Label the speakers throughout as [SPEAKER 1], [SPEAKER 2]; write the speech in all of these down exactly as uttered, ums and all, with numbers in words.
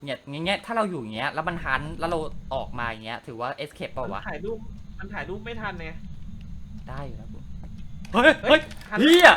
[SPEAKER 1] เนี่ยอย่างเงี้ยถ้าเราอยู่อย่างเงี้ยแล้วมันหันแล้วเราออกมาอย่างเงี้ยถือว่า escape เปล่า
[SPEAKER 2] มัน
[SPEAKER 1] วะ
[SPEAKER 2] ถ่ายรูปมันถ่ายรูปไม่ทันไง
[SPEAKER 1] ได้อยู่แล้วกูเฮ้ยเฮ้ย
[SPEAKER 2] ทัน
[SPEAKER 1] เฮีย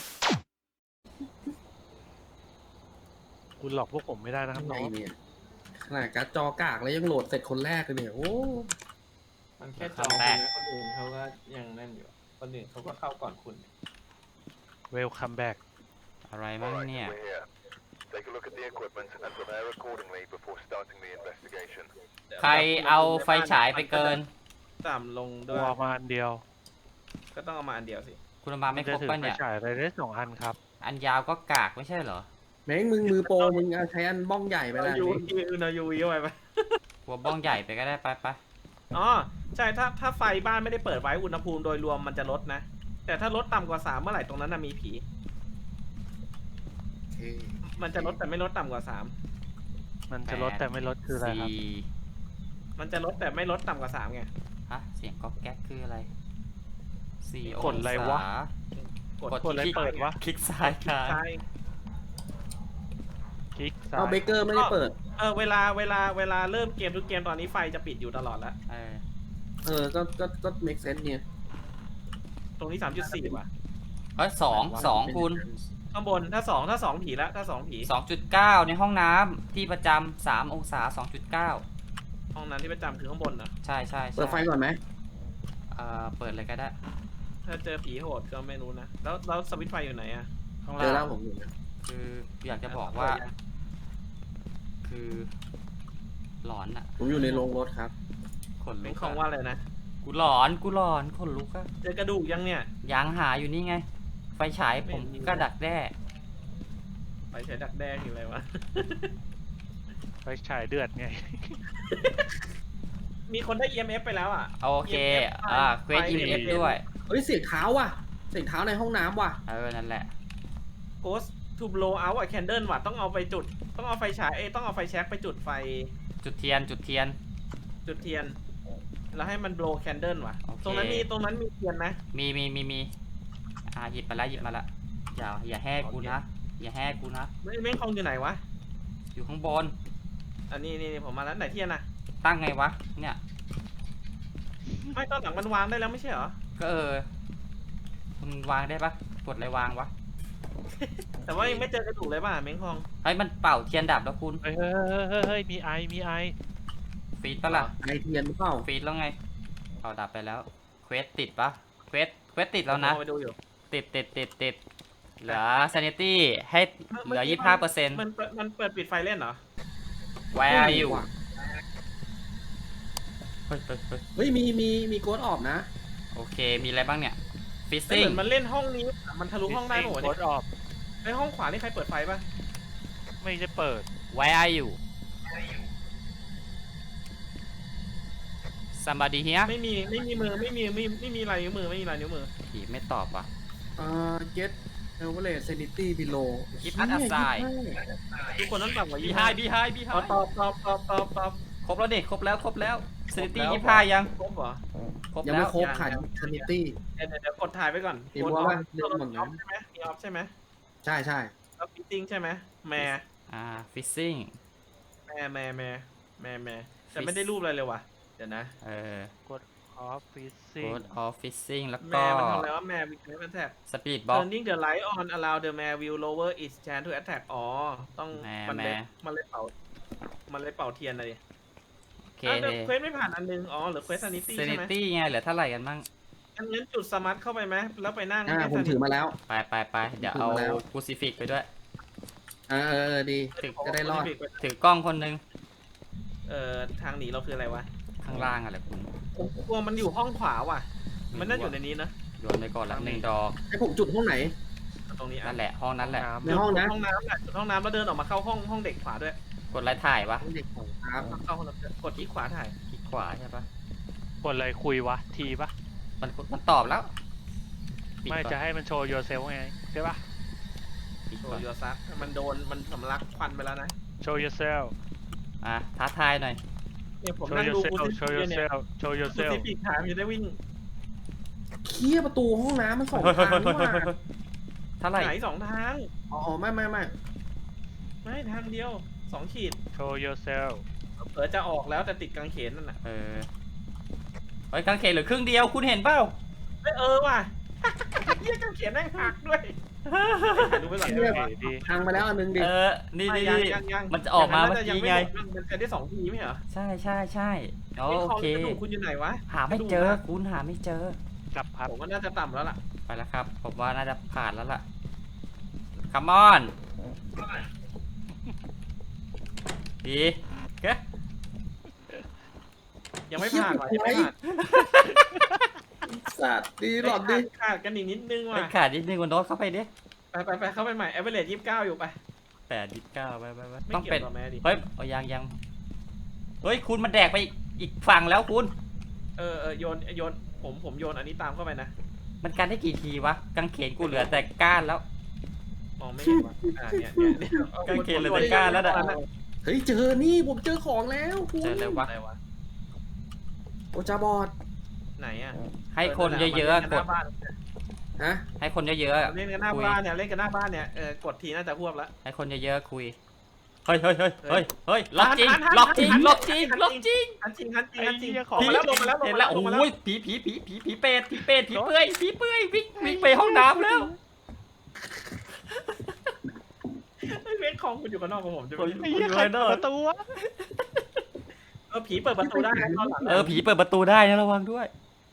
[SPEAKER 3] คุณหลอกพวกผมไม่ได้นะครับ
[SPEAKER 4] ทำไง
[SPEAKER 3] น้อง
[SPEAKER 4] เนี่ยขนาดการ์ดจอกากแล้วยังโหลดเสร็จคนแรกเลยเนี่ยโอ้
[SPEAKER 2] มันแค่จองนะคนอื่นเขาก็ยังนั่นอยู่คนอื่นเขาก็เข้าก่อนคุณ
[SPEAKER 3] เวลคัมแบ็ก
[SPEAKER 1] อะไรมั้งเนี่ย
[SPEAKER 5] Take a look at the equipment and prepare accordingly before starting the investigation.
[SPEAKER 1] ใครเอาไฟฉายไปเกิน
[SPEAKER 2] ต่ำลง
[SPEAKER 3] ตั
[SPEAKER 2] ด้วย
[SPEAKER 3] วมาอันเดียว
[SPEAKER 2] ก็ต้องเอามาอันเดียวสิ
[SPEAKER 1] คุณเอามาไม่ครบ
[SPEAKER 3] จะถือ
[SPEAKER 1] ป่ะ
[SPEAKER 3] ไป
[SPEAKER 1] เนี่ย
[SPEAKER 3] ฉายอะไรได้สองอันครับ
[SPEAKER 1] อันยาวก็กากไม่ใช่เหรอ
[SPEAKER 4] แม่งมึงมือโปรมึงเอาใช้อันบ้องใหญ่ไป
[SPEAKER 2] เรา
[SPEAKER 4] แล้ว
[SPEAKER 2] ยู
[SPEAKER 4] นี่
[SPEAKER 2] วีเรายูวีเข้าไปปะ
[SPEAKER 1] หัวบ้องใหญ่ไปก็ได้ไปไป
[SPEAKER 2] อ๋อใช่ถ้าถ้าไฟบ้านไม่ได้เปิดไว้อุณหภูมิโดยรวมมันจะลดนะ แต่ถ้าลดต่ำกว่าสามเมื่อไหร่ตรงนั้นน่ะมีผี
[SPEAKER 4] โอเค
[SPEAKER 2] มันจะลดแต่ไม่ลดต่ำกว่าสาม
[SPEAKER 3] มันจะลดแต่ไม่ลดคืออะไรครับ
[SPEAKER 1] สี่
[SPEAKER 2] มันจะลดแต่ไม่ลดต่ำกว่าสามไง
[SPEAKER 1] ฮะเสียงก๊อกแก๊กคืออะไรสี่
[SPEAKER 3] กดอะไรวะ
[SPEAKER 2] กด
[SPEAKER 1] กด
[SPEAKER 3] กดอะไร
[SPEAKER 1] คลิก
[SPEAKER 3] เปิดวะ
[SPEAKER 1] คลิกซ้ายค้าง
[SPEAKER 2] ใช่
[SPEAKER 3] คลิกซ้า
[SPEAKER 4] เอา
[SPEAKER 3] ย
[SPEAKER 4] เบเกอร์ไม่ได้เปิด
[SPEAKER 2] เออเวลาเวลาเวลาเริ่มเกมทุกเกมตอนนี้ไฟจะปิดอยู่ตลอดแล้ว
[SPEAKER 1] เออ
[SPEAKER 4] เออก็ก็ก็ make sense เนี่ย
[SPEAKER 2] ตรงนี้สามจุดสี่ว่ะ
[SPEAKER 1] เฮ้ยสองสองคุณ
[SPEAKER 2] ข้างบนถ้าสองถ้าสองผีแล้วถ้าสองผี
[SPEAKER 1] สองจุดเก้าในห้องน้ำที่ประจำสามองศาสองจุดเก้า
[SPEAKER 2] ห้องนั้นที่ประจำคือข้างบนเหรอ
[SPEAKER 1] ใช่ใช่ใช่
[SPEAKER 4] เปิดไฟก่อนไหม
[SPEAKER 1] เอ่อเปิดเลยก็ได้
[SPEAKER 2] ถ้าเจอผีโหดก็ไม่รู้นะ แล้วแล้วสวิตช์ไฟอยู่ไหนอะ
[SPEAKER 1] ข้าง
[SPEAKER 4] เจอแล้
[SPEAKER 1] ล่าว ง
[SPEAKER 4] ผมอยู่นะ
[SPEAKER 1] คืออยากจะบอกว่า คือหลอนอะ
[SPEAKER 4] ผมอยู่ในโรงรถครับ
[SPEAKER 1] ขน
[SPEAKER 2] เป็
[SPEAKER 1] ลุ
[SPEAKER 2] น
[SPEAKER 1] ก
[SPEAKER 2] ของ
[SPEAKER 1] อะ
[SPEAKER 2] ว่าอะไรนะ
[SPEAKER 1] กูหลอนกูหลอนขนลุกอะ
[SPEAKER 2] เจอกระดูกยังเนี่ย
[SPEAKER 1] ยางหาอยู่นี่ไง ไฟฉายผม
[SPEAKER 2] ไม่มี
[SPEAKER 1] ก็ดักแด้
[SPEAKER 2] ไปใช้ดักแด้คืออะไรวะ
[SPEAKER 3] ไปฉายเดือดไง
[SPEAKER 2] มีคนได้ อี เอ็ม เอฟ ไปแล้วอ่ะ
[SPEAKER 1] โอเค
[SPEAKER 2] อี เอ็ม เอฟ
[SPEAKER 1] อ่าเควส
[SPEAKER 2] ไฟ
[SPEAKER 1] อีเอฟด้วย
[SPEAKER 4] เฮ้ยเสียงเท้าว่ะ เสียงเท้าในห้องน้ำว่ะ
[SPEAKER 1] เออ นั่นแหละ
[SPEAKER 2] Ghost to blow out a candle ว่ะต้องเอาไปจุด ต้องเอาไฟฉายเอ้ยต้องเอาไฟแช็กไปจุดไฟ
[SPEAKER 1] จุดเทียนจุดเทียน
[SPEAKER 2] จุดเทียน แล้วให้มัน blow candle ว่ะ
[SPEAKER 1] โอเค
[SPEAKER 2] ตรงนั้นมีตรงนั้นมีเทียนนะ
[SPEAKER 1] มีมีมีมีอ่าหยิบมาแล้วหยิบมาแล้วอย่าอย่าแห่กูนะ อย่าแห่กูนะ
[SPEAKER 2] ไม่ไม่คงอยู่ไหนวะ
[SPEAKER 1] อยู่ข้างบน
[SPEAKER 2] อันนี้นี่นี่ผมมาแล้วไหนเทียนอ่ะ
[SPEAKER 1] ตั้งไงวะ เนี่ย
[SPEAKER 2] ไม่ตอนหลังมันวางได้แล้วไม่ใช่เหรอ
[SPEAKER 1] ก็เออมันวางได้ปะกดอะไรวางวะ
[SPEAKER 2] แต่ว่ายังไม่เจอกระดูกเลยป่ะเม้งคอง
[SPEAKER 1] เฮ้ยมันเป่าเทียนดับแล้วคุณ
[SPEAKER 3] เฮ้ยเฮ้ยเฮ้ยเฮ้ยเฮ้ยมีไอ มีไอ
[SPEAKER 1] ฟีดปะล่ะ
[SPEAKER 4] ไอเทียนหรือเปล่า
[SPEAKER 1] ฟีดแล้วไงเป่าดับไปแล้ว เควสติดปะเควสเควสติดแล้วนะ
[SPEAKER 2] ผมเอาไปดูอยู่
[SPEAKER 1] ติดติดติดติดเหลือ sanity ให้เหลือ ยี่สิบห้าเปอร์เซ็นต์
[SPEAKER 2] มันเปิดมันเปิดปิดไฟเล่นเหรอ
[SPEAKER 1] Where are you
[SPEAKER 4] ว่ะ
[SPEAKER 1] เฮ้ยเฮ้ยเฮ้ย
[SPEAKER 4] เฮ้ยมีมีมีโกดออกนะ
[SPEAKER 1] โอเค มีอะไรบ้างเนี่ย
[SPEAKER 2] ไม่เห
[SPEAKER 1] fishing
[SPEAKER 2] มือนมันเล่นห้องนี้ มันทะลุห้องได้หมด
[SPEAKER 3] โค
[SPEAKER 2] เนี่
[SPEAKER 3] ด
[SPEAKER 2] ย
[SPEAKER 3] ออก
[SPEAKER 2] ไอห้องขวานี่ใครเปิดไฟป่ะ
[SPEAKER 3] ไม่ได้เปิด
[SPEAKER 1] Where are you somebody here
[SPEAKER 2] ไม่มีไม่มีมือไม่มีไม่ไม่มีลายนิ้วมือไม่มีลายนิ้วมือ
[SPEAKER 1] ผีไม่ตอบว่ะ
[SPEAKER 4] เอ่อ get average sanity below
[SPEAKER 1] Keep us aside
[SPEAKER 2] ทุกคนต้องต่ำกว่า
[SPEAKER 1] บี
[SPEAKER 2] ยี่
[SPEAKER 1] ไฮ
[SPEAKER 2] ห้า
[SPEAKER 1] บีไฮบีไฮ
[SPEAKER 2] ตอบตอบตอบตอบตอบตอบ
[SPEAKER 1] ครบแล้วดิครบแล้วครบแล้ว sanity
[SPEAKER 2] ครบแล้ว
[SPEAKER 1] ยี่ห้ายัง
[SPEAKER 2] ครบเหรอ
[SPEAKER 1] ครบ
[SPEAKER 4] ยัง
[SPEAKER 1] แล้
[SPEAKER 4] ไม่
[SPEAKER 1] ว
[SPEAKER 4] ครบ
[SPEAKER 2] ยัง
[SPEAKER 4] ขาด sanity
[SPEAKER 2] เดี๋ยวเดี๋ยวเดี๋ยวกดถ่ายไปก่อน
[SPEAKER 4] เห็นว่า
[SPEAKER 2] ออฟ
[SPEAKER 4] เรื่องหมด
[SPEAKER 2] มี
[SPEAKER 4] นะ
[SPEAKER 2] ออฟใช่ไหมมีออฟใช่ไหม
[SPEAKER 4] ใช่ใช่
[SPEAKER 2] แล้วฟิตติ้งใช่ไหมแม่
[SPEAKER 1] อ่า fishing
[SPEAKER 2] แม่แม่แม่แม่แม่แต่ไม่ได้รูปอะไรเลยว่ะเดี๋ยวนะ
[SPEAKER 1] เออ
[SPEAKER 3] กดออฟฟิศซิ่ง
[SPEAKER 1] code of fishing แล้วก็
[SPEAKER 2] แม่มันทำอะไรวะแม่วิกเนสแท็ก
[SPEAKER 1] speed box
[SPEAKER 2] turning the light on allow the mare will lower its chance to attack อ๋อต้อง
[SPEAKER 1] แม่
[SPEAKER 2] มันเลย
[SPEAKER 1] แม่
[SPEAKER 2] มันเลยเป่ามันเลยเป่าเทียนเลย
[SPEAKER 1] โอเค
[SPEAKER 2] อ่ะแต่เควสไม่ผ่านอันนึงอ๋อหรือเควสซานิตี้ใช่ไหม
[SPEAKER 1] sanity ไงเหลือเท่าไหร่กันบ้าง
[SPEAKER 2] อันนั้นจุดสมาร์ทเข้าไปไหมแล้วไปนั่ง
[SPEAKER 4] อ่า
[SPEAKER 2] ให้
[SPEAKER 4] ผม
[SPEAKER 2] sanity
[SPEAKER 4] ถือมาแล้ว
[SPEAKER 1] ไปไปไปเดี๋ยว
[SPEAKER 4] ถึง
[SPEAKER 1] เอา
[SPEAKER 4] มาแล้ว
[SPEAKER 1] crucifix ไปด้วย
[SPEAKER 4] เออเออเออดี
[SPEAKER 1] ถึง
[SPEAKER 4] จะได้รอด
[SPEAKER 1] ถือกล้องคนหนึง
[SPEAKER 2] เอ่อทางหนีเราคืออะไรวะ
[SPEAKER 1] ข้างล่างอะไรคุณ
[SPEAKER 2] ผมกลัวมันอยู่ห้องขวาว่ะ มันน่าอยู่ในนี้นะ
[SPEAKER 1] โยนไปก่อนละหนึ่งดอก
[SPEAKER 4] ให้ผมจุดห้องไหน
[SPEAKER 2] ตรงนี้อ่ะ
[SPEAKER 1] นั่นแหละห้องนั้นแหละ
[SPEAKER 3] น้ำ
[SPEAKER 4] ในห้องนะ
[SPEAKER 2] ห้องน้ำแหละจุดห้องน้ำแล้วเดินออกมาเข้าห้องห้องเด็กขวาด้วย
[SPEAKER 1] กดไลค์ถ่ายวะ
[SPEAKER 4] ห้องเด็กของครับ
[SPEAKER 2] เข้าห้องน้ำกดที่ขวาถ่าย
[SPEAKER 1] คลิกขวาใช่ปะ
[SPEAKER 3] กดอะไรคุยวะ ทีปะ
[SPEAKER 1] มันมันตอบแล้วปิด
[SPEAKER 3] ไม่
[SPEAKER 1] ก่อน
[SPEAKER 3] จะให้มันโชว์ yourself ไงใช่ปะ
[SPEAKER 1] ปิด
[SPEAKER 2] โช
[SPEAKER 1] ก่อน
[SPEAKER 2] ว์ยูซักมันโดนมันสำลักควันไปแล้วนะ
[SPEAKER 3] show yourself
[SPEAKER 1] อ่ะท้าทายหน่อย
[SPEAKER 2] เนี่ยผม
[SPEAKER 3] show
[SPEAKER 2] นั่งดู
[SPEAKER 3] yourself
[SPEAKER 2] กู
[SPEAKER 3] show
[SPEAKER 2] ที่เนี่ย
[SPEAKER 3] yourself show
[SPEAKER 2] กู
[SPEAKER 3] yourself
[SPEAKER 2] ที่ปีกขามันจะได้วิ่ง
[SPEAKER 4] เคลียร์ประตูห้องน้ำมันสอง
[SPEAKER 1] เฮ้ยเฮ้ย
[SPEAKER 4] ทาง
[SPEAKER 1] เฮ้ย
[SPEAKER 4] นี่ห
[SPEAKER 1] เฮ้ย
[SPEAKER 4] ว่า
[SPEAKER 1] เฮ้ยเท่าไหร่
[SPEAKER 2] ไหนสองทาง
[SPEAKER 4] อ๋อไม่ไม่ไม่
[SPEAKER 2] ไม่ทางเดียวสองขีด
[SPEAKER 3] show yourself
[SPEAKER 2] เผื่อจะออกแล้วแต่ติดกางเขนนั่นน่ะ
[SPEAKER 1] เออเฮ้ยกางเขนเหลือครึ่งเดียวคุณเห็นเปล่า
[SPEAKER 2] เอ้ยเออว่ะ เฮียกางเขนแม่งหักด้วยดูไปก่อน
[SPEAKER 4] เรียบ
[SPEAKER 3] โอเคดี
[SPEAKER 4] พังไปแล้วอันนึงดิ
[SPEAKER 1] เออนี่
[SPEAKER 2] ไม่
[SPEAKER 1] นี่
[SPEAKER 2] ยัง
[SPEAKER 1] นี่
[SPEAKER 2] ยังยัง
[SPEAKER 1] มันจะออกมาเมื่อกี้ไง
[SPEAKER 2] มันจะได้สองทีไม่เหรอ
[SPEAKER 1] ใช่ใช่ใช่อ๋อ
[SPEAKER 2] ไอ้
[SPEAKER 1] โอ
[SPEAKER 2] คอ
[SPEAKER 1] เค
[SPEAKER 2] กระดูกคุณอยู่ไหนวะ
[SPEAKER 1] หาไม่เจอคุณหาไม่เจอ
[SPEAKER 3] กลับครับ
[SPEAKER 2] ผมว่าน่าจะต่ำแล้วล่ะ
[SPEAKER 1] ไปแล้วครับ ผมว่าน่าจะผ่านแล้วล่ะ come on ดีเก๊
[SPEAKER 2] ยังไม่ผ่านว่ะยังไม่ผ่าน
[SPEAKER 4] สัตว์ดีหลอดดิ
[SPEAKER 2] ขาดกันอีกนิดนึง
[SPEAKER 1] ไป
[SPEAKER 2] ว่ะ
[SPEAKER 1] ขาดนิดนึงวันโน้ตเข้าไปดิ
[SPEAKER 2] ไปไปไปเข้าไปใหม่ a อ e r a g e ยี่สิบเก้าอยู่ไป
[SPEAKER 1] แปดยี่สิบเก้าไปไปไป
[SPEAKER 2] ไม่
[SPEAKER 1] ต้อง
[SPEAKER 2] เกี่
[SPEAKER 1] เป็
[SPEAKER 2] ย
[SPEAKER 1] น
[SPEAKER 2] วกับแม่ดิ
[SPEAKER 1] เฮ้ยเอายังยังเฮ้ยคุณมันแดกไปอีกฝั่งแล้วคุณ
[SPEAKER 2] เออเออโยนโยนผมผมโยนอันนี้ตามเข้าไปนะ
[SPEAKER 1] มันกันได้กี่ทีวะกางเขนกูเหลือแต่ก้านแล้ว
[SPEAKER 2] มองไม่เห็นว่ะอ่าเนี่ยเนี่ยเนี่ย
[SPEAKER 1] กางเขนเหลือแต่ก้านแล้วน่ะ
[SPEAKER 4] เฮ้ยเจอนี่ผมเจอของแล้วคุณ
[SPEAKER 1] เจอแล้ววะ
[SPEAKER 2] อะไรวะ
[SPEAKER 4] โอจาบอด
[SPEAKER 2] ไหนอ่ะ
[SPEAKER 1] ให้คนเยอะๆกด
[SPEAKER 4] ฮะ
[SPEAKER 1] ให้คนเยอะๆอะ
[SPEAKER 2] เล่นกันหน้า
[SPEAKER 1] คุย
[SPEAKER 2] บ้านเนี่ยเล่นกันหน้าบ้านเนี่ยเออกดทีน่าจะพวบแล้ว
[SPEAKER 1] ให้คนเยอะๆคุยเฮ้ยเฮ้ยเฮ้ยเฮ้ยเฮ้ยล็อกจริง
[SPEAKER 2] หันหัน
[SPEAKER 1] ล็อกจริง
[SPEAKER 2] หัน
[SPEAKER 1] ล็อกจริง
[SPEAKER 2] หัน
[SPEAKER 1] ล็อกจริง
[SPEAKER 2] อันจริงอันจริงอันจริง
[SPEAKER 3] ไอ้เหี้ย
[SPEAKER 2] ออกมาแล้วลงมาแล้วลง
[SPEAKER 1] เห็น
[SPEAKER 2] มา
[SPEAKER 1] แล้
[SPEAKER 2] แล้ว วลงมาแล้ว
[SPEAKER 1] โอ้ยผีผีผีผีผีเป็ดผีเป็ดผีเปื่อยผีเปื่อยวิ่งวิ่งไปห้องน้ำแล้ว
[SPEAKER 2] ไอ้เวทคองคุณอยู่กันนอกกับผมจะ
[SPEAKER 1] โอ้ย
[SPEAKER 2] ไม่
[SPEAKER 3] ไอ้เหี้ยใครเปิดประตูวะ
[SPEAKER 2] เออผีเปิดประตูได้นะตอนหลัง
[SPEAKER 1] เออผีเปิดประตูได้นะระวังด้วย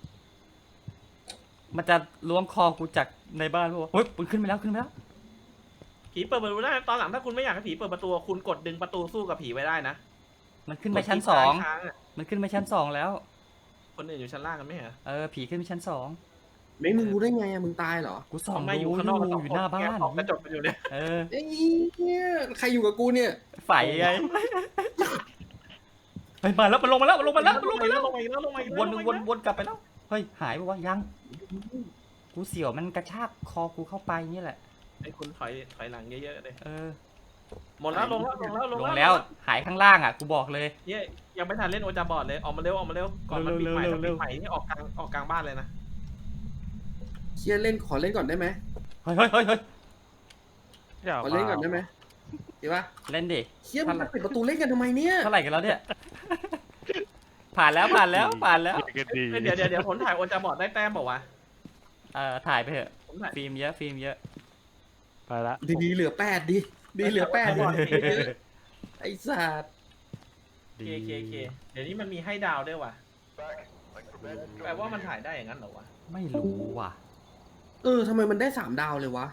[SPEAKER 1] มันจะล้วงคอกูจากในบ้านพวกเฮ้ยมันขึ้นไปแล้วขึ้นไปแล้ว
[SPEAKER 2] ผีเปิดประตูได้ตอนหลังถ้าคุณไม่อยากให้ผีเปิดประตูคุณกดดึงประตูสู้กับผีไว้ได้นะ
[SPEAKER 1] มันขึ้นไปชั้นสอง
[SPEAKER 2] กดที่ค้างอะ
[SPEAKER 1] มันขึ้นไปชั้นสองแล้ว
[SPEAKER 2] คนอื่นอยู่ชั้นล่างกันไหมเหรอ
[SPEAKER 1] เออผีขึ้นไปชั้นสอง
[SPEAKER 4] ไม่มึงรู้ได้ไงอะมึงตายเหรอ
[SPEAKER 1] กูส่อง
[SPEAKER 2] ทำไมอ
[SPEAKER 1] ดู
[SPEAKER 2] ยู่
[SPEAKER 1] อ
[SPEAKER 2] ข้างนอกกันส
[SPEAKER 1] ยู่
[SPEAKER 2] อง
[SPEAKER 1] อยู่
[SPEAKER 2] คน
[SPEAKER 1] หน้าบ้า
[SPEAKER 2] แก
[SPEAKER 1] น
[SPEAKER 2] ออกกระจกกันอยู่เนี่ย
[SPEAKER 1] เออ
[SPEAKER 4] ไอ้เนี่ยใครอยู่กับกูเนี่ย
[SPEAKER 1] ไฟไงไปมาแล้วมันลงมาแล้วมันลงมาแล้วมัน
[SPEAKER 2] ล
[SPEAKER 1] ล
[SPEAKER 2] ง
[SPEAKER 1] ง
[SPEAKER 2] มา
[SPEAKER 1] มา
[SPEAKER 2] แล้
[SPEAKER 1] แล้ว ว
[SPEAKER 2] ลงมาอีกแล้วลงมาอีก
[SPEAKER 1] วน
[SPEAKER 2] แล้ว
[SPEAKER 1] วนวนกลับไปแล้วเฮ้ยหายไปวะยัง กูเสียวมันกระชากคอกูเข้าไปนี่แหละ
[SPEAKER 2] ไอ้คุณถอยถอยหลังเยอะๆเลย
[SPEAKER 1] เออ
[SPEAKER 2] หมดแล้วลงแล้วลงแล้ว
[SPEAKER 1] ลงแล้วหายข้างล่างอ่ะกูบอกเลย
[SPEAKER 2] เนี่ยยังไม่ทันเล่นโอจาบอร์ดเลยออกมาเร็วออกมาเร็วก่อนมันปิดใหม่
[SPEAKER 1] เร็
[SPEAKER 2] ถ้าว
[SPEAKER 1] เร็
[SPEAKER 2] ปิ
[SPEAKER 1] ว
[SPEAKER 2] ดใหม่นี่ออกกลางออกกลางบ้านเลยนะ
[SPEAKER 4] เชียร์เล่นขอเล่นก่อนได้ไหม
[SPEAKER 1] เฮ้ยเฮ้ยเฮ้ยเฮ้ย
[SPEAKER 3] เดี๋ยว
[SPEAKER 4] ขอเล่นก่อนได้ไหมดีปะ
[SPEAKER 1] เล่นดิ
[SPEAKER 4] เชียร์มันปิดประตูเล่นกันทำไมเนี่ย
[SPEAKER 1] เท่าไหร่กันแล้วเนี่ย ผ่านแล้วผ่านแล้วผ่านแล้ว
[SPEAKER 3] กันดี
[SPEAKER 2] เดี๋ยวเดี๋ยวเดี๋ยวผมถ่ายโอจาบอร์ดได้แต้มบอกว่าว
[SPEAKER 1] เออถ่ายไปเถอะ
[SPEAKER 2] ผมถ่าย
[SPEAKER 1] ฟิล์มเยอะฟิล์มเยอะ
[SPEAKER 3] ไปละ
[SPEAKER 4] ดีๆเหลือแปดดิดีเหลือแปดดิไอ้สัตว์
[SPEAKER 2] เคเคเคเดี๋ยวนี้มันมีให้ดาวด้วยว่ะ
[SPEAKER 5] Back. Like prepared.
[SPEAKER 2] แปลว่ามันถ่ายได้อย่างนั้นเหรอวะ
[SPEAKER 1] ไม่รู้ว่ะ
[SPEAKER 4] เออทำไมมันได้สามดาวเลยวะ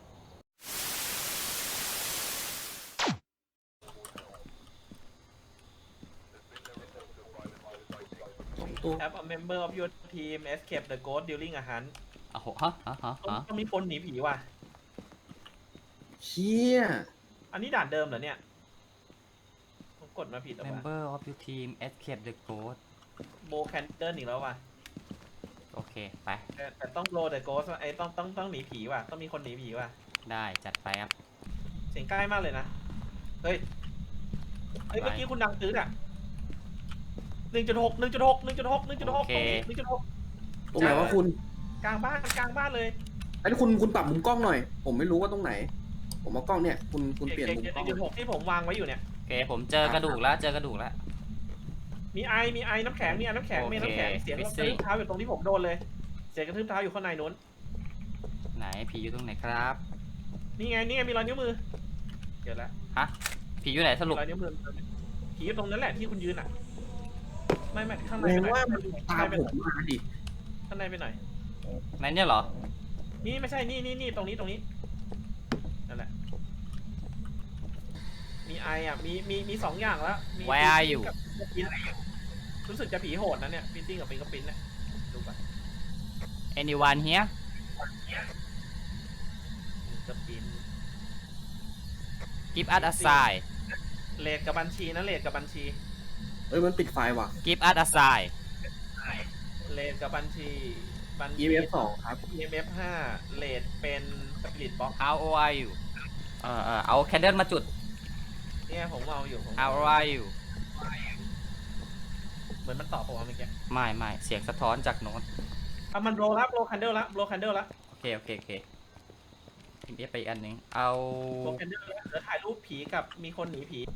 [SPEAKER 4] สองตัว
[SPEAKER 2] Have a member of your team escape the ghost during a hunt
[SPEAKER 1] โอ้โหฮะฮะฮะ
[SPEAKER 2] ต้อง
[SPEAKER 1] ฮะ
[SPEAKER 2] ต้องมีคนหนีผีว่ะ
[SPEAKER 4] เชี่ย
[SPEAKER 2] อันนี้ด่านเดิมเหรอเนี่ยผมกดมาผิดหรือเปล่า
[SPEAKER 1] member of your team escape the ghost
[SPEAKER 2] โบแคนเดิลอีกแล้วว่ะ
[SPEAKER 1] โอเคไป
[SPEAKER 2] แต่แต่ต้องโบเดอะโกสไอ้ต้องต้องต้องหนีผีว่ะต้องมีคนหนีผีว่ะ
[SPEAKER 1] ได้จัดไปครับ
[SPEAKER 2] เสียงใกล้มากเลยนะเฮ้ยเฮ้ยเมื่อกี้คุณดังตื้ออ่ะหนึ่งจุดหกหนึ่งจุดหกหนึ่งจุดหกหนึ่งจุดหกตรงนี้หนึ่งจุดหก
[SPEAKER 4] ตรงไหนวะคุณ
[SPEAKER 2] กลางบ้านกลางบ้านเลย
[SPEAKER 4] ไอ้นี่คุณคุณปรับมุมกล้องหน่อย ผมไม่รู้ว่าตรงไหน ผมเอากล้องเนี่ยคุณคุณเปลี่ยนมุม
[SPEAKER 2] หนึ่
[SPEAKER 4] กล้อง
[SPEAKER 2] งจุดหกที่ผมวางไว้อยู่เนี่ย
[SPEAKER 1] โอเคผมเจอกระดูกแล้วเจอกระดูกแล้ว
[SPEAKER 2] มีไอมีไอน้ำแข็งมีไอน้ำแข็งมีน้ำแข็ง
[SPEAKER 1] โอเค
[SPEAKER 2] เสียงกระ
[SPEAKER 1] Fizzy
[SPEAKER 2] ทืบเท้าอยู่ตรงที่ผมโดนเลยเสียงกระทืบเท้าอยู่ข้างในนู้น
[SPEAKER 1] ไหนผีอยู่ตรงไหนครับ
[SPEAKER 2] นี่ไงนี่ไงมีรอยนิ้วมือเดี๋ยวละ
[SPEAKER 1] ฮะผีอยู่ไหนสรุป
[SPEAKER 2] รอยนิ้วมือผีอยู่ตรงนั้นแหละที่คุณยืนอ่ะไม่ไม่ข้างใน
[SPEAKER 4] แสด
[SPEAKER 2] ไป
[SPEAKER 4] ง
[SPEAKER 2] หน่
[SPEAKER 4] ว่า
[SPEAKER 2] อย
[SPEAKER 4] มันตามผมมาดิ
[SPEAKER 2] ข้างในไปหน่อย
[SPEAKER 1] ไหนเนี่ยเหรอ
[SPEAKER 2] นี่ไม่ใช่นี่นี่นี่ตรงนี้ตรงนี้นั่นแหละมีไออ่ะมีมีมีสองอย่างแล้วมี
[SPEAKER 1] Where are you
[SPEAKER 2] กับฟิงเกอร์ปิ้นรู้สึกจะผีโหดนะเนี่ยฟิซซิ่งกับฟิงเกอร์ปิ้นเนี่ยดูก่อน
[SPEAKER 1] anyone here
[SPEAKER 2] ฟิงเกอร์ปิ้น
[SPEAKER 1] give us a sign
[SPEAKER 2] เลทกับบัญชีนะเลทกับบัญชี
[SPEAKER 4] เอ้ยมันปิดไฟว่ะ
[SPEAKER 1] give us a sign
[SPEAKER 2] เลทกับบัญชีบัญชี
[SPEAKER 4] อี เอฟ สองครับ
[SPEAKER 2] อี เอ็ม เอฟ ห้าเลทเป็นสปิริตบ็อก
[SPEAKER 1] how old are you เออเออเอาแคนเดิลมาจุด
[SPEAKER 2] เนี่ยผมเอาอยู่ผม
[SPEAKER 1] how old are you
[SPEAKER 2] เหมือนมันตอบผมว่าเมื่อกี้
[SPEAKER 1] ไม่ไม่เสียงสะท้อนจากโน้ต
[SPEAKER 2] อ่ะมันโบลละโบลคันเดิลละโบลคันเดิลละ
[SPEAKER 1] โอเคโอเคโอเคอีเอฟไปอีกอันหนึ่งเอา
[SPEAKER 2] โบแคนเดอร์เดี๋ยวถ่ายรูปผีกับมีคนหนีผี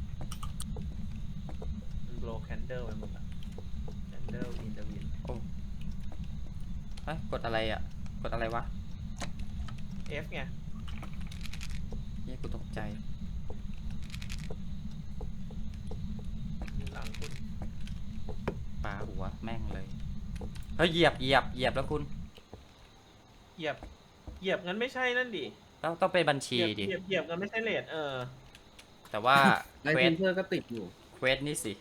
[SPEAKER 2] โบแคนเดอร์ไปหมดละแคนเดอร์อินเดวิน
[SPEAKER 1] เอ้ยกดอะไรอ่ะ กดอะไรวะ
[SPEAKER 2] เอฟไง
[SPEAKER 1] เฮ้ยกูตกใจ
[SPEAKER 2] อยู่หลังคุณ
[SPEAKER 1] ปาหัวแม่งเลย เฮ้ยเหยียบเหยียบเหยียบแล้วคุณ
[SPEAKER 2] เหยียบเหยียบงั้นไม่ใช่นั่นดิ
[SPEAKER 1] ต้องต้องเป็นบัญ
[SPEAKER 2] เห
[SPEAKER 1] ชี
[SPEAKER 2] ยียบ
[SPEAKER 1] ดิ
[SPEAKER 2] เหยียบเหยียบงั้นไม่ใช่เลทเออ
[SPEAKER 1] แต่ว่า
[SPEAKER 4] ไล
[SPEAKER 1] เคว
[SPEAKER 4] ท์
[SPEAKER 1] ส
[SPEAKER 4] เซนเซอร์ก็ติดอยู่
[SPEAKER 1] เควสนี่สิ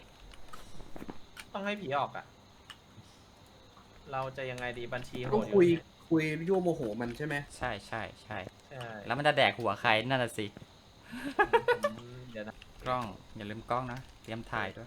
[SPEAKER 2] ต้องให้ผีออกอ่ะ เราจะยังไงดีบัญชีโห
[SPEAKER 4] ต้อง
[SPEAKER 2] ดอ
[SPEAKER 4] คุย
[SPEAKER 2] เนี่ย
[SPEAKER 4] คุยยั่วโมโหมันใช่ไหม
[SPEAKER 1] ใช่ใช่ใช่
[SPEAKER 2] ใช่
[SPEAKER 1] แล้วมันจะแดกหัวใครนั่นน่ะสิ
[SPEAKER 2] ผมเดี๋ยวนะ
[SPEAKER 1] กล้อง อย่าลืมกล้องนะ เตรียมถ่ายด้วย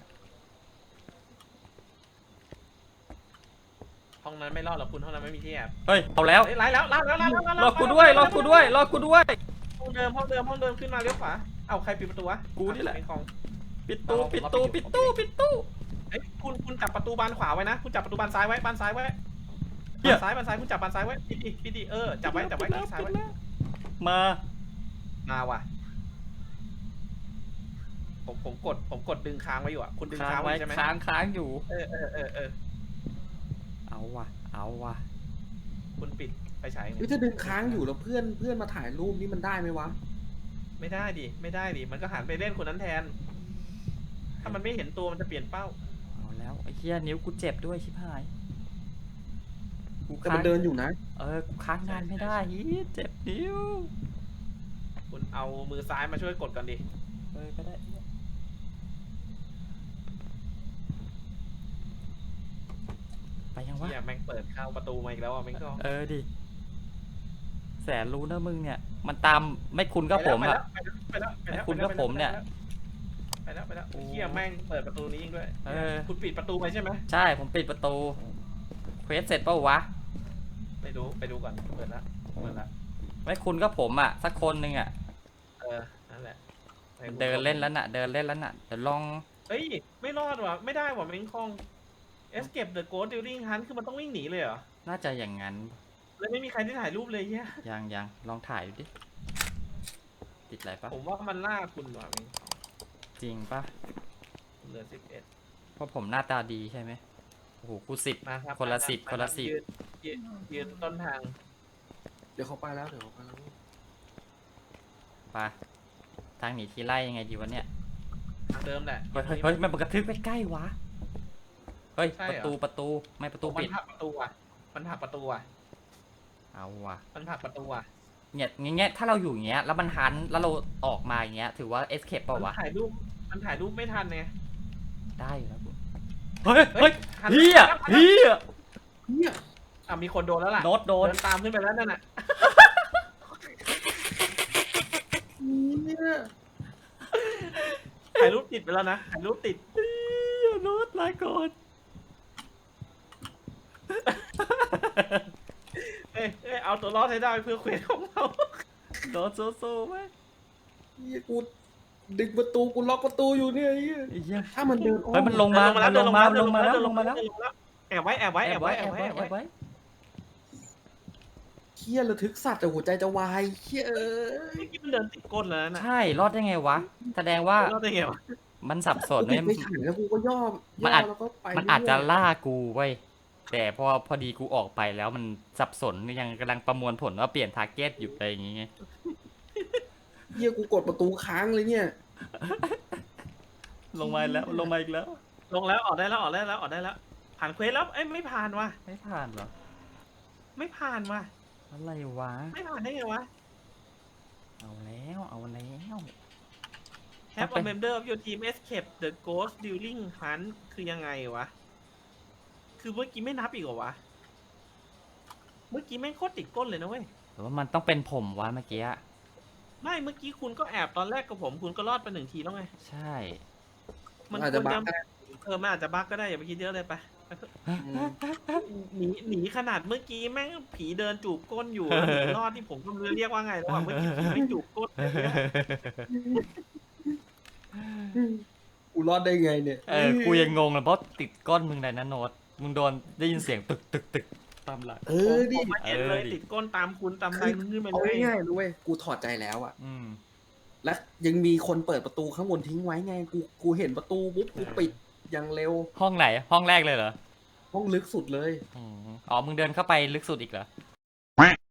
[SPEAKER 2] ห้องนั้นไม่รอดหรอกคุณห้องนั้นไม่มีที่แอบ
[SPEAKER 1] เฮ้ย เอาแล้ว
[SPEAKER 2] เฮ้ยไล่แล้วไล่แล้วไล่แล้วไล่แล้
[SPEAKER 1] รอกูด้วย รอกูด้วย รอกูด้วย
[SPEAKER 2] ห้องเดิมห้องเดิมห้องเดิมขึ้นมาเลี้ยวขวาเอ้าใครปิดประตูวะ
[SPEAKER 1] กูนี่แหละ
[SPEAKER 2] ไม่ของ
[SPEAKER 1] ปิดตู้ปิดตู้ปิดตู้ปิดตู้
[SPEAKER 2] เอ้ยคุณคุณจับประตูบานขวาไว้นะ คุณจับประตูบานซ้ายไว้บานซ้ายไว้
[SPEAKER 1] เหี้ย
[SPEAKER 2] บานซ้ายบานซ้ายคุณจับบานซ้ายไว้ปิดดิปิดดิเออจับไว้จับไว้คลิกซ้ายไว้
[SPEAKER 1] มา
[SPEAKER 2] มาว่ะผมผมกดผมกดดึงค้างไว้อยู่อ่ะคุณดึง
[SPEAKER 1] ค้า
[SPEAKER 2] ค้าง ง
[SPEAKER 1] ไว้
[SPEAKER 2] ไว้ใช่ไหม
[SPEAKER 1] ค้างค้างอยู่
[SPEAKER 2] เออเออเออเออ
[SPEAKER 1] เอาว่ะ เอาว่ะ
[SPEAKER 2] คุณปิดไฟฉายไง
[SPEAKER 4] เฮ้ยถ้าดึงค้างอยู่แล้วเพื่อนเพื่อนมาถ่ายรูปนี่มันได้ไหมวะ
[SPEAKER 2] ไม่ได้ดิไม่ได้ดิมันก็หันไปเล่นคนนั้นแทน ถ้ามันไม่เห็นตัวมันจะเปลี่ยนเป้า
[SPEAKER 1] เอาแล้วไอ้เหี้ยนิ้วกูเจ็บด้วยชิบหาย กู
[SPEAKER 4] แต่
[SPEAKER 1] ค้า
[SPEAKER 4] มั
[SPEAKER 1] ง
[SPEAKER 4] นเดินอยู่นะ
[SPEAKER 1] เออ กูค้างงานไม่ได้ฮียเจ็บนิ้ว
[SPEAKER 2] คุณเอามือซ้ายมาช่วยกดก่อนดิ
[SPEAKER 1] เออก็ได้เหี้ยไปยังวะ
[SPEAKER 2] เฮียแม่งเปิดเข้าประตูมาอีกแล้วอ่ะแม่งก็
[SPEAKER 1] เออดิ แสนรู้นะมึงเนี่ย มันตามไม่คุณก็ผมอะ
[SPEAKER 2] ไปแล้วไปแล้วไปแล้ว
[SPEAKER 1] คุณกับผมเนี่ย
[SPEAKER 2] ไปแล้วไปแล้ว
[SPEAKER 1] โอ้
[SPEAKER 2] เฮียแม่งเปิดประตูนี้ยิงด้วย
[SPEAKER 1] เออ
[SPEAKER 2] คุณปิดประตูไปใช่ไหม
[SPEAKER 1] ใช่ผมปิดประตู เควสเสร็จเปล่าวะ
[SPEAKER 2] ไปดูไปดูก่อนเปิดละเปิดละ
[SPEAKER 1] ไม่คุณก็ผมอะสักคนหนึ่งอะ
[SPEAKER 2] เออนั่นแหละไป
[SPEAKER 1] เดินเล่นแล้วน่ะ เดินเล่นแล้วน่ะเดี๋ยวลอง
[SPEAKER 2] เฮ้ยไม่รอดว่ะไม่ได้ว่ะแม่งคอง Escape the Ghost During Hunt คือมันต้องวิ่งหนีเลยเหรอ
[SPEAKER 1] น่าจะอย่างนั้น
[SPEAKER 2] แล้วไม่มีใครที่ถ่ายรูปเลยเฮีย
[SPEAKER 1] ยังยังลองถ่ายดูดิ ติดอะไรปะ
[SPEAKER 2] ผมว่ามันล่าคุณว่ะแม่ง
[SPEAKER 1] จริงปะ
[SPEAKER 2] เหลือสิบเอ็ด
[SPEAKER 1] เพราะผมหน้าตาดีใช่ไหมโอ้โหกูสิบ
[SPEAKER 2] มาครับ
[SPEAKER 1] คนละ
[SPEAKER 2] มารับ
[SPEAKER 1] สิบ
[SPEAKER 2] มา
[SPEAKER 1] คนละ
[SPEAKER 2] รับ
[SPEAKER 1] สิบ
[SPEAKER 2] ยืนยืนยืนต้นทาง
[SPEAKER 4] เดี๋ยวเขาไปแล้วเดี๋ยวเขาไปแล้ว
[SPEAKER 1] ไปทางหนีทีไล่ยังไงดีวะเนี่ย
[SPEAKER 2] ทางเดิมแหละ
[SPEAKER 1] เฮ้ยเฮ้ยเฮ้ยมันกระทึกไปใกล้วะ เฮ้ย
[SPEAKER 2] ใช่
[SPEAKER 1] ป
[SPEAKER 2] เหรอ
[SPEAKER 1] ระตูประตูไม่ประตู
[SPEAKER 2] มั
[SPEAKER 1] ปิ
[SPEAKER 2] น
[SPEAKER 1] ด
[SPEAKER 2] ผลักประตูอ่ะมันผลักประตูอ่ะ
[SPEAKER 1] เอาว่ะ
[SPEAKER 2] มันผลักประตูอ่ะ
[SPEAKER 1] เนี่ยอย่างเงี้ยถ้าเราอยู่อย่างเงี้ยแล้วมันหันแล้วเราออกมาอย่างเงี้ยถือว่า escape เปล่าวะ
[SPEAKER 2] มันถ่ายรูปมันถ่ายรูปไม่ทันไง
[SPEAKER 1] ได้อยู่แล้วกูเฮ้ยเฮ้ย
[SPEAKER 2] หัน
[SPEAKER 1] เฮีย
[SPEAKER 2] หัน
[SPEAKER 1] เฮีย
[SPEAKER 4] เนี่ย
[SPEAKER 2] อ่ะมีคนโดนแล้วล่ะ
[SPEAKER 1] โน้ตโดน
[SPEAKER 2] เดินตามขึ้นไปแล้วนั่นน่ะ
[SPEAKER 4] เนี่ย
[SPEAKER 2] ถ่ายรูปติดไปแล้วนะถ่ายรูปติด
[SPEAKER 1] เฮียโน้ตลาก่อน
[SPEAKER 2] เอ้ยเอ้ยเอาตัวรอดให้ได้เพื่อเควสของเรา
[SPEAKER 1] โน้ตสู้ๆไหม
[SPEAKER 4] เหี้ยกูดึงประตูกูล็อกประตูอยู่เนี่ยไอ้เหี้ย
[SPEAKER 1] ไอ้เหี้ย
[SPEAKER 4] ถ้ามันเดินอ้อ
[SPEAKER 1] เฮ้ยมันลงมามันลงมามันลงมาแล้วลงมาแล้ว
[SPEAKER 2] แอบไว้แอบไว้
[SPEAKER 1] แอ
[SPEAKER 2] แอ
[SPEAKER 1] บบ ไว้
[SPEAKER 2] ไว้
[SPEAKER 1] แอ
[SPEAKER 2] แอ
[SPEAKER 1] บบ ไว้
[SPEAKER 2] ไว้
[SPEAKER 1] แอบไว้
[SPEAKER 4] เหี้ยระทึกสัตว์แต่หัวใจจะวายเหี้ยเอ้ย
[SPEAKER 2] เมื่อกี้มันเดินติดก้นแล้วนะ
[SPEAKER 1] ใช่รอดได้ไงวะ แสดงว่า
[SPEAKER 2] เราได้ไงวะ
[SPEAKER 1] มันสับสน
[SPEAKER 4] กู
[SPEAKER 1] เนี่
[SPEAKER 4] ติ
[SPEAKER 1] ย
[SPEAKER 4] ดไปถ่ายแล้วกูก็ย่อ
[SPEAKER 1] มัน
[SPEAKER 4] ย่
[SPEAKER 1] อา
[SPEAKER 4] อ
[SPEAKER 1] จ
[SPEAKER 4] แล้วก็ไป
[SPEAKER 1] มันอาจจะ
[SPEAKER 4] เรื่ย
[SPEAKER 1] ล่ากูเว้ยแต่พอพอดีกูออกไปแล้วมันสับสนยังกำลังประมวลผลว่าเปลี่ยนทาร์เก็ตอยู่อะไรอย่างเงี้ย
[SPEAKER 4] ๆเหี้ยกูกดประตูค้างเลยเนี่ย
[SPEAKER 1] ลงมาอีกแล้วลงมาอีกแล้ว
[SPEAKER 2] ลงแล้วออกได้แล้วออกได้แล้วออกได้แล้วผ่านเควสแล้วเอ้ยไม่ผ่านว่ะ
[SPEAKER 1] ไม่ผ่านเหรอ
[SPEAKER 2] ไม่ผ่านว่ะ
[SPEAKER 1] อะไรวะ
[SPEAKER 2] ไม่ผ่านได้ไงวะ
[SPEAKER 1] เอาแล้วเอาแล้ว
[SPEAKER 2] Have a member of your team escape the ghost during hunt คือยังไงวะ คือเมื่อกี้ไม่นับอีกเหรอวะ เมื่อกี้แม่งโคตรติดก้นเลยนะเว้ย
[SPEAKER 1] หรือว่ามันต้องเป็นผมวะเมื่อกี้
[SPEAKER 2] ไม่ เมื่อกี้คุณก็แอบตอนแรกกับผม คุณก็รอดไปหนึ่งทีแล้วไง
[SPEAKER 1] ใช่
[SPEAKER 2] มัน
[SPEAKER 4] อาจ
[SPEAKER 2] ค
[SPEAKER 4] จะ
[SPEAKER 2] วร
[SPEAKER 4] บั
[SPEAKER 2] จะ
[SPEAKER 4] กได้
[SPEAKER 2] เออมันอาจจะบั๊กก็ได้อย่าไปคิดเยอะเลยไปไปเถอะ
[SPEAKER 4] อืม
[SPEAKER 2] หนีหนีขนาดเมื่อกี้แม่งผีเดินจูบก้นอยู่แล้วหนีรอดที่ผมก็ไม่รู้เรียกว่าไงแล้วอะเมื่อกี้ผีไม่จูบก้นเลยเนี่ย
[SPEAKER 4] กูรอดได้ไงเนี่ย
[SPEAKER 1] เออกูยังงงเลยเพราะติดก้อนมึงเลยนะโน้ตมึงโดนได้ยินเสียงตึกตึกตึกตามหลัก
[SPEAKER 4] เออดิ
[SPEAKER 2] ผมมาเห็นเลย
[SPEAKER 1] เออดิ
[SPEAKER 2] ติดก้นตามคุณตาม
[SPEAKER 4] คื
[SPEAKER 2] ลาย
[SPEAKER 4] อ
[SPEAKER 2] มึงขึ้นมา
[SPEAKER 4] เอา
[SPEAKER 2] เลย
[SPEAKER 4] ง่ายๆด้วยกูถอดใจแล้วอะ
[SPEAKER 1] อืม
[SPEAKER 4] และยังมีคนเปิดประตูข้างบนทิ้งไว้ไง กูกูเห็นประตูปุ๊บกูปิดอย่างเร็ว
[SPEAKER 1] ห้องไหน ห้องแรกเลยเหรอ
[SPEAKER 4] ห้องลึกสุดเลย
[SPEAKER 1] อืมอ๋อ มึงเดินเข้าไปลึกสุดอีกเหรอ